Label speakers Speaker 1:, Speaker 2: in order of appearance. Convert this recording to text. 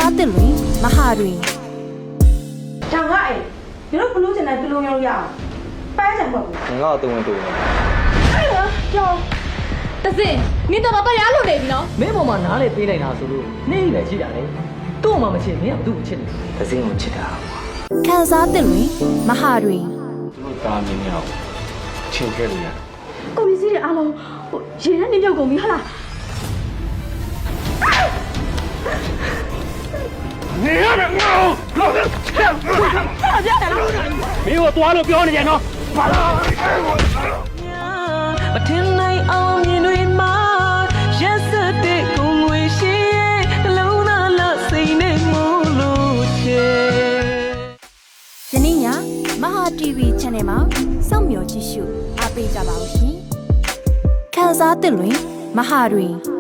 Speaker 1: စားသစ်တွင်မဟာတွင်
Speaker 2: ဒါငါအိမ်ဒီလိုဘလူးချင်တဲ့ဘလူးမျိုးရအောင်ပန်းချင်မဟုတ်ဘူး
Speaker 3: ငါ့ကိုတုံဝင်တုံနေ
Speaker 2: အဲ့ဒါကြောင်
Speaker 4: တစင်နင်တော်တော်တရားလို့နေပြီနော်
Speaker 5: မင်းပေါ်မှာနားလေပေးနိုင်တာဆိုလို့နေပဲရှိတာလေသူ့မှမချစ်မင်းကဘာလို့ချစ်လဲ
Speaker 3: သစင်းကိုချစ်တာ
Speaker 1: ခန်းစားသစ်တွင်မဟာတွင်
Speaker 3: သူတို့သားမင်းများကိုချင်းခဲ့လို့ရ
Speaker 2: ကိုပစ္စည်းတွေအားလုံးဟိုရေနဲ့နေပြုတ်ကုန်ပြီဟုတ်လား
Speaker 6: 你要是我，老子没有多了，不要你见着，完了。
Speaker 7: မထင်နိုင်အောင်မြင်တွေမှာရက်စက်တဲ့ကိုငွေရှိရဲ့နှလုံးသားလစိတ်နဲ့မို့လို့ချေ
Speaker 1: ယနေ့ညမဟာ TV Channel မှာစောင့်မျှော်ကြည့်ရှုအားပေးကြပါဦးရှင်ခန်းစားသစ်တွင်မဟာတွင်